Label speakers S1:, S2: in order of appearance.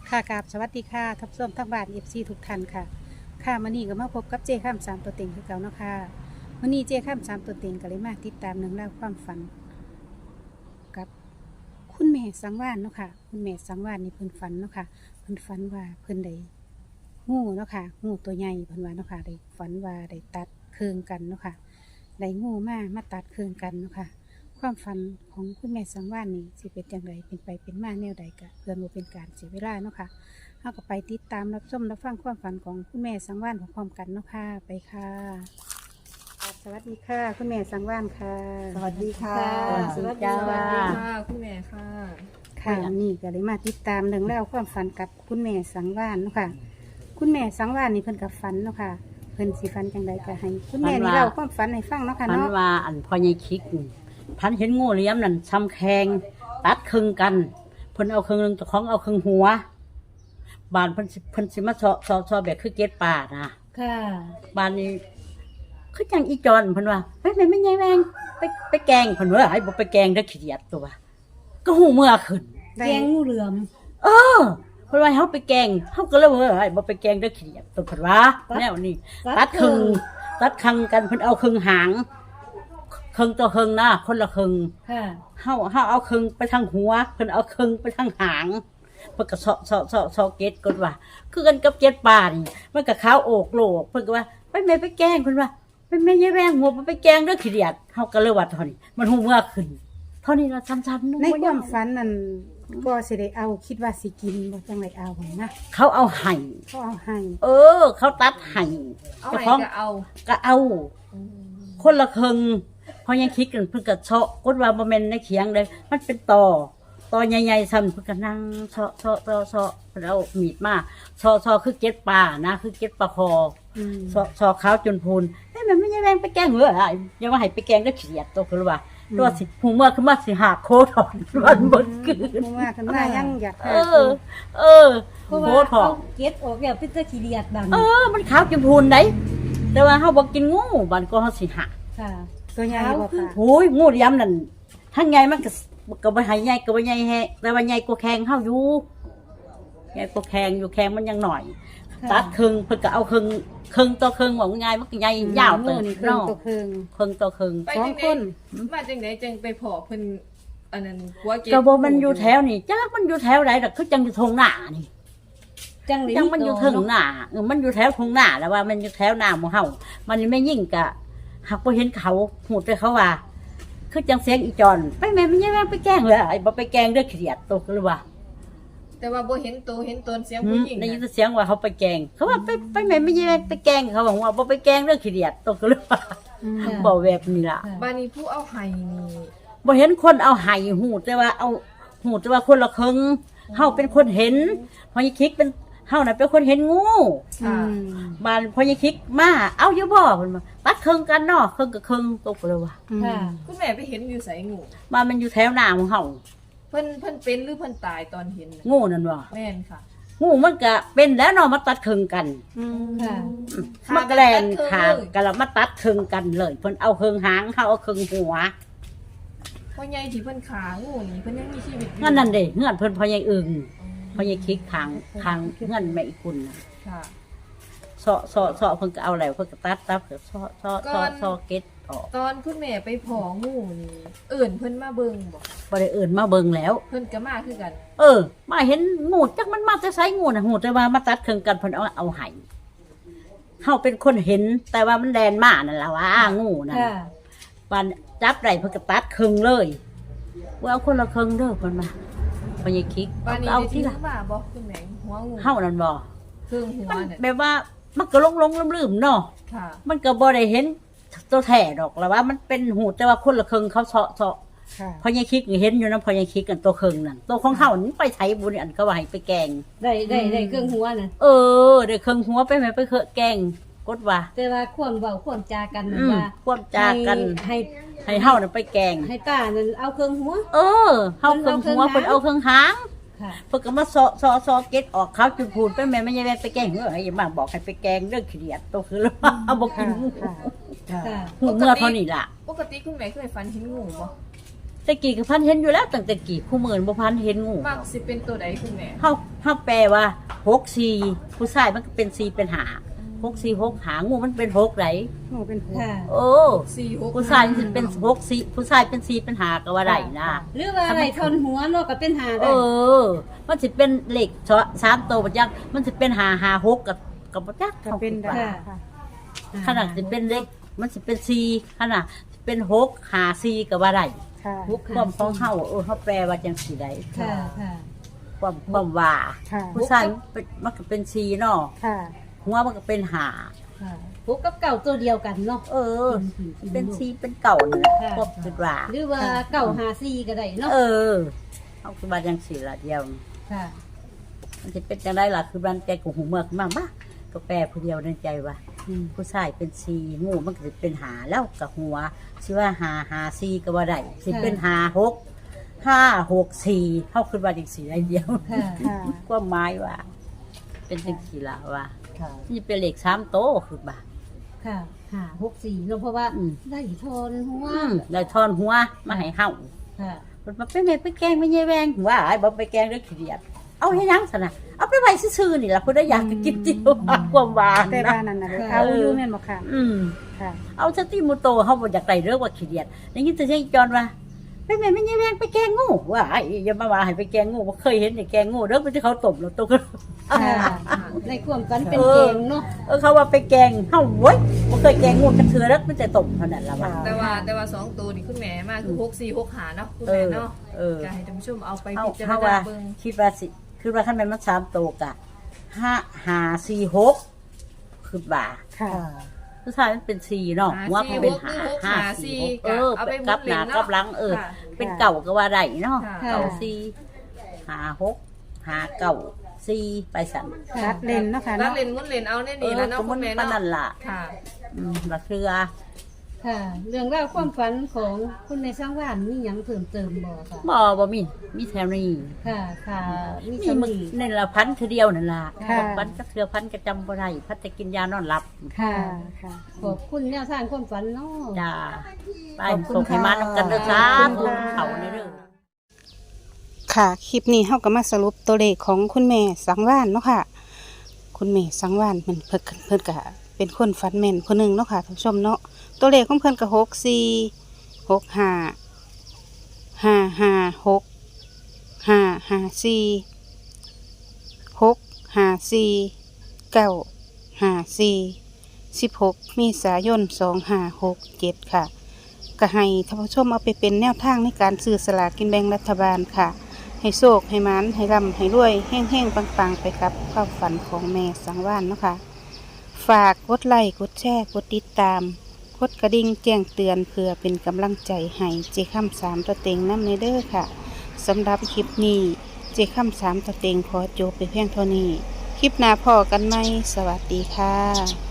S1: ค่ะกราบสวัสดีค่ะทับส้มทั้งบ้านFC ทุกท่านค่ะค่ะมื้อนี้ก็มาพบกับเจ้ข้ามสามตัวเต็งคือเก่าเนาะค่ะมื้อนี้เจ้ข้ามสามตัวเต็งก็เลยมาติดตามเรื่องราวความฝันกับคุณแม่สังวาลเนาะค่ะคุณแม่สังวาลนี่เพิ่นฝันเนาะค่ะเพิ่นฝันว่าเพิ่นได้งูเนาะค่ะงูตัวใหญ่เพิ่นว่าเนาะค่ะได้ฝันว่าได้ตัดเครื่องกันเนาะค่ะได้งูมาตัดเครื่องกันเนาะค่ะความฝันของคุณแม่สังวาลนี่สิเป็นอย่างไรเป็นไปเป็นมาแนวใดก็เพื่อบ่เป็นการเสียเวลาเนาะค่ะ เราก็ไปติดตามรับชมรับฟังความฝันของคุณแม่สังวาลพร้อมๆกันเนาะค่ะไปค่ะสวัสดีค่ะคุณแม่สังวาลค่ะ
S2: สวัสดีค่ะ
S1: สวัสดีจ้า
S3: ค่ะคุณแม่ค่ะ
S1: ค่ะนี่ก็เลยมาติดตามเรื่องเล่าวความฝันกับคุณแม่สังวาลเนาะค่ะ คุณแม่สังวาลนี่เพิ่นกับฝันเนาะค่ะเพิ่นสิฝันจังใดก็ให้ คุณแม่นี่เล่าความฝันให้ฟังเนาะค่ะ
S2: พัน
S1: เนาะ
S2: ว่าอันพ่อใหญ่คิกนี่พันเห็นงูเหลี่ยมนั่นซ้ำแขงตัดครึ่งกันเพิ่นเอาครึ่งหนึงเจ้าของเอาครึ่งหัวบานเพิ่นสิมาซอแบบคือเกล็ดป่านะ
S3: ค่ะ
S2: บานนี้คือจังอีจอนเพิ่นว่าไม่ใหญ่แวงไปแกงเพิ่นว่าให้บ่ไปแกงเด้อขี้เดียดตัวว่าก็หูเมื่อขึ้น
S1: ได้
S3: แกงงูเหลือม
S2: เออเพิ่นว่าให้เฮาไปแกงเฮาก็เลยว่าให้บ่ไปแกงเด้อขี้เดียดตัวเพิ่นว่าแนวนี้ ตัดครึ่งกันเพิ่นเอาครึ่งหางครึ่งต่อครึ่งนะคนละครึ่ง
S3: ค่ะ
S2: เฮาเอาครึ่งไปทางหัวเพิ่นเอาครึ่งไปทางหางเพิ่นก็เซาเกตกดว่าคือกันกับเจ็ดป่านี่มันก็ขาวโอกโลกเพิ่นก็ว่าไปแม่ไปแกล้งเพิ่นว่าไปแม่ยายแวงหัวไปแกล้งเด้อขี้เดียดเฮาก็เลยว่าเท่านี้มันหูเมื่อขึ้นเท่านี้ละซ้ำๆ
S1: ในความฝันนั่นก็สิได้เอาคิดว่าสิกินบ่จังไดเอานะ
S2: เขาเอาให้
S1: เขาเอาให้
S2: เขาตัดให้
S3: เอา
S2: เจ้า
S3: ไหน
S2: ของ
S3: ก็เอา
S2: ก็เอา คนละครึ่งเพราะยังคิดกันเพิ่นก็เชาะกดว่าบ่แม่นในเขียงเลยมันเป็นตอใหญ่ๆซ้ำเพิ่นก็นั่งเชาะเพิ่นเอามีดมาเชาะคือเก็ดปลานะคือเก็ดปลาคอ
S1: อืม
S2: เชาะขาวจนพูนมันไม่ใช่แรงไปแกล้งเหรออย่ามาให้ไปแกล้งได้เขียดตัวคือว่าตัวสิหูเมื่อคือมาสิหาโคถอนวันบนคืน
S1: เพราะว่าคันว่ายังอยากหา
S2: เออ
S3: เพราะ
S2: โค
S3: ว่า
S2: ถอ
S3: เอา
S2: น
S3: เก็ดออกแบบพิษขี้เดียดดัง
S2: มันขาวจนพูนได้แต่ว่าเฮาบ่กินงูบันก็เฮาสิหา
S3: ค่ะ
S1: ตัวใหญ่บ่ค่ะ
S2: โอ้ยงูเหลี่ยมนั่นทั้งใหญ่มันก็บ่ให้ใหญ่ก็บ่ใหญ่แฮะแต่ว่าใหญ่กว่าแข้งเฮาอยู่ใหญ่กว่าแข้งอยู่แข้งมันยังหน่อย ตัดครึ่งเพิ่นก็เอาครึ่งต่อครึ่งว่าง่ายมันก็ใหญ่ยาวเติบ
S1: นี่เครื่อง
S2: เนาะ
S1: ตัวเครื่อง
S2: ครึ่งต่อครึ่ง
S3: ไป
S1: สอง
S3: จัง
S1: ค
S3: ได๋
S1: น
S3: มาจังได๋จังไปพอเพิ่นอันนั้นหัวเก็บ
S2: ก็บ่มันอยู่แถวนี่จักมันอยู่แถวใดดอกคือจังอยู่ทงหน้านี่
S3: จังเลย
S2: จังมันอยู่ถึงหน้ามันอยู่แถวทงหน้าแล้วว่ามันอยู่แถวหน้าหมู่เฮามันไม่ยิ่งกะหักบ่เห็นเขาหูแต่เขาว่า คือจังเสียงอีจอนไปแม่มันยังไปแกล้งเลยไอ้บ่ไปแกล้งเด้อเขียดตกเลยว่า
S3: แต่ว่าบ่เห็นตัวเห็นตนเสียงผู้หญิง
S2: ได้ยิน
S3: น่ะ
S2: เสียงว่าเขาไปแกล้งเขาว่าไปแม่มันยังไปแกล้งเขาบอกว่าบ่ไปแกล้งเด้อเขียดตกเลยว่า
S1: อืม
S2: บ่แบบนี้ล่ะ
S3: บ้านนี้ผู้เอาไห้นี่
S2: บ่เห็นคนเอาไห้หูแต่ว่าเอาหูแต่ว่าคนละครึ่งเฮาเป็นคนเห็นพอยคิกเป็นเฮาน่ะเป็นคนเห็นงู
S3: ค่ะ
S2: บ้านพอยคิกมาเอาอยู่บ่เพิ่นมาตัดครึ่งกันเนาะครึ่งกับครึ่งตกเลยว่า
S3: ค่ะ คุณแม่ไปเห็นอยู่ไสงู
S2: บ้านมันอยู่แถวหน้าของเฮา
S3: เพิ่นเป็นหรือเพิ่นตายตอนเห็นน่ะ
S2: งูนั่นว่า
S3: แม่นค่ะ
S2: งูมันก็เป็นแล้วเนาะมาตัดครึ่งกัน
S1: อืม
S3: ค่ะ
S2: มันก็แล่นขากันแล้วมาตัดครึ่งกันเลยเพิ่นเอาครึ่งหางเฮาเอาครึ่งหัว
S3: พ่อใหญ่ที่เพิ่นขางูนี่เพิ่นยังมีชีวิตอยู่
S2: นั่นเด้เฮือนเพิ่นพอใหญ่อึ่งพอใหญ่คิกคางเฮือนแม่อีกุลน่ะ
S3: ค่ะ
S2: เซาะเพิ่นก็เอาแล้วเพิ่นก็ตัดเพิ่นเซาะเก็ดออก
S3: ตอนคุณแม่ไปพองูนี่เอิ่นเพิ่นมาเบิ่งบ่
S2: บ่ได้เอิ้นมาเบิ่งแล้ว
S3: เพิ่นก็มาคือกัน
S2: มาเห็นงูจักมันมาแต่ไสงูน่ะหูแต่ว่ามาตัดครึ่งกันเพิ่นเอาให้เฮาเป็นคนเห็นแต่ว่ามันแดนมานั่นล่ะว่างูนั่น
S3: ค่ะ
S2: ปานจับได้เพิ่นก็ตัดครึ่งเลยว่าเอาคนละครึ่งเด้อเพิ่นมาพอยายคิก
S3: บ้านนี้
S2: เอา
S3: ได้
S2: ที่
S3: ที่
S2: ละ
S3: มาบ่คุณแม่หัวงู
S2: เฮานั่นบ่
S3: เครื่องหัว
S2: มัน
S3: น่ะ
S2: แบบว่ามันก็ลงลืมๆเนาะ
S3: ค่ะ
S2: มันก็บ่ได้เห็นตัวแท้ดอกแล้วว่ามันเป็นหูแต่ว่าคนละครึ่งเขาเซาะ
S1: ค่ะ
S2: พอยายคิกนี่เห็นอยู่นะพอยายคิกกันตัวครึ่งนั่นตัวของเฮานี่ไปไสบุญอันก็ว่าให้ไปแกง
S3: ได้เครื่องหัวน่ะ
S2: ได้ครึ่งหัวไปแม่ไปเคอะแกงกดว่า
S3: แต่ว่าควรเว้าควรจากัน
S2: อืม
S3: ว่า
S2: ควบจากัน
S3: ให้
S2: ให้เฮาน่ะไปแกง
S3: ให้ป้านั่นเอาเครื่องหัว
S2: เฮาครึ่งหัวเพิ่นเอาครึ่งหาง
S3: ค่ะ
S2: เพิ่นก็มาซอเก็ตออกขาวจุดพูนไปแม่ไม่ใช่แม่ไปแกงเอ้ยอย่ามาบอกให้ไปแกงเรื่องขี้เดียดตัวคือแล้วเอาบ่กิน
S1: ค่ะ
S3: ค่ะ
S2: หูเมื่อเท่านี้ล่ะ
S3: ปกติคุณแม่เคยฝันเห็นงูบ่
S2: แต่กี่ก็พันเห็นอยู่แล้วตั้งแต่กี่คู่หมื่นบ่พันเห็นงู
S3: มักสิเป็นตัวใดคุณแม่
S2: เฮาแปลว่า64ผู้ชายมันก็เป็น4เป็น5 6 4 6หางูมันเป็น6ไหน
S1: งูเป็นหัว
S4: ค่ะ
S2: โอ้
S3: 4 6
S2: ผู้ชายมันสิเป็น6 4ผู้ชายเป็น4เป็น5ก็ว่าได้นะ
S4: หรือว่าอะไรทนหัวเนาะก็เป็นหา
S2: เอ
S4: ได้
S2: อ มันสิเป็นเลข3ตัวบ่จักมันสิเป็น5 5 6กับบ่จัก
S1: ก็เป็นได้ค่ะ
S2: ขนาดสิเป็นเลขมันสิเป็น4ขนาดสิเป็น6 5 4ก็ว่าได้
S1: ค่ะ
S2: ความของเฮาเฮาแปลว่าจังซี่ได้
S4: ค่ะค่ะ
S2: ความว่า
S1: ค่ะ
S2: ผู้ชายมันก็เป็น4เนาะ
S1: ค่ะ
S2: หัวมันก็เป็น5
S4: ค่ะพวกกับเก่าตัวเดียวกันเนาะ
S2: เออ เป็น4เป็นเก่านั่นแหละ
S4: ค่ะ
S2: ก็คิดว่า
S4: หรือว่าเก่าหาซีก็ได้เนาะ
S2: เออเฮาคิดว่าจังซี่ล่ะเดียว
S4: ค่ะ
S2: มันจะเป็นจังได๋ล่ะคือบ้านใจกูหูเมือกมากบ่ก็แปลผู้เดียวในใจว่าผู้ชายเป็น4งูมันก็สิเป็น5แล้วก็หัวสิว่า5 5 4ก็บ่ได้สิเป็น5 6 5 6 4เฮาคิดว่าจังซี่ได้เดียว
S4: ค่ะ
S1: ค่ะ
S2: ความหมายว่า เป็นจังซี่ล่ะว่า
S4: ค่ะ
S2: นี่เป็นเลข3โตคือบ่า
S4: ค่ะค่ะ64เนาะเพราะว่า
S2: อืม
S4: ได้ทนหัว
S2: ได้ทอนหัวมาให้เฮา
S4: ค่ะ
S2: มันมาเป็นไงไปแกล้งไม่ใช่แวงว่าไอ้บ่ไปแกล้งเรื่องขี้เดียดเอาให้ยังซะนะเอาไปไว้ซื่อๆนี่ล่ะผู้ใดอยากจะกินจิ๋วความหวาน
S1: แต่
S2: นะ
S1: บ้านนั้นน่ะเลยเอาอยู่แม่นบ่ค่ะ ค่ะ
S2: เอาสติมุโตเฮาบ่อยากได้เรื่องว่าขี้เดียดได้ยินแต่เสียงจอนว่าไปแม่ไม่ใช่แวงไปแกล้งงูว่าไอ้อย่ามาว่าให้ไปแกล้งงูบ่เคยเห็นได้แกล้งงูเด้อมันที่เขาตบแล้วตก
S4: ค่ะในความฝันเป็นเกมเนาะ
S2: เขาว่าไปแกล้งเฮาโว้ยบ่เคยแกล้งงูกันเทื่อแล้วมันจะตบเท่านั้นล่ะว่า
S3: แต่ว่า2ตัวนี่คุณแม่มาคือ6 4 6หาเนาะคุณแม่เนาะ
S2: เออ
S3: จะให้ท่านผู้ชมเอาไป
S2: เอา
S3: พิจาร
S2: เขา
S3: ณา
S2: ว่า
S3: เบิ่ง
S2: คิดว่าสิคือว่าขั้นเป็นมัน3โตวกะ5 4 6คือบ่า
S1: ค่ะ
S2: ผู้ชายมันเป็น4เนาะหัวมันเป็น5 4 6
S3: เอาไปหมุ
S2: กับ
S3: น
S2: ห
S3: เล่
S2: น้าน
S3: เนาะ
S2: กับหลัง
S3: ค่ะ
S2: เป็นเก่าก็ว่าได้เนาะ
S3: ค่ะ
S2: เก่า4 5 6 5เก่า4ไปสั่น
S1: รัดเลนเนาะค่ะ
S3: แล้ว
S1: เนาะ
S3: เล่นหมุนเล่นเอาแน่นี่แล้วเนาะ
S2: ก็
S3: คุ
S2: มัน
S3: ณแม่
S2: ปาน
S3: เนาะ
S2: นั่นล่ะ
S3: ค่ะ
S2: บักเรือ
S4: ค่ะ เรื่องราวความฝันของคุณในสร้างว่านมีหยังเพิ่มเติมบ่ค่ะ
S2: บ่มีแถวนี้
S4: ค่ะ ค่ะมี
S2: นี่
S4: ส
S2: มึง
S4: มี
S2: นี่ละพันคือเดียวนั่นล่ะ
S1: ค่ะ
S2: พันก็เทือพันก็จำบ่ได้พันจะกินยานอนหลับ
S1: ค่ะ ค่ะ
S4: ขอบคุณแนวทางความฝันเนาะ
S2: จ้าไป
S1: ขอบคุณ
S2: ส่งให้มา
S1: ค่ะ
S2: นำกันเด้อจ้า
S1: ขอบคุณค่ะ
S2: เขาในเด้อ
S1: ค่ะ คลิปนี้เฮาก็มาสรุปตัวเลขของคุณแม่สังวานเนาะค่ะ คุณแม่สังวานเพิ่นก็เป็นคนฝันแม่นคนหนึ่งเนาะค่ะท่านผู้ชมเนาะ ตัวเลขของเพิ่นก็16 เมษายน 2567 ค่ะ ก็ให้ท่านผู้ชมเอาไปเป็นแนวทางในการซื้อสลากกินแบ่งรัฐบาลค่ะ ให้โชคให้หมันให้ร่ำให้รวยแห้งๆปังๆ ไปกับความฝันของแม่สังวานเนาะค่ะ ฝากกดไลค์กดแชร์กดติดตามกดกระดิ่งแจ้งเตือนเพื่อเป็นกำลังใจให้เจค่ำ3ตัวเต็งน้ำในเด้อค่ะสำหรับคลิปนี้เจค่ำ3ตัวเต็งขอจบไปเพียงเท่านี้ คลิปหน้าพอกันไหมสวัสดีค่ะ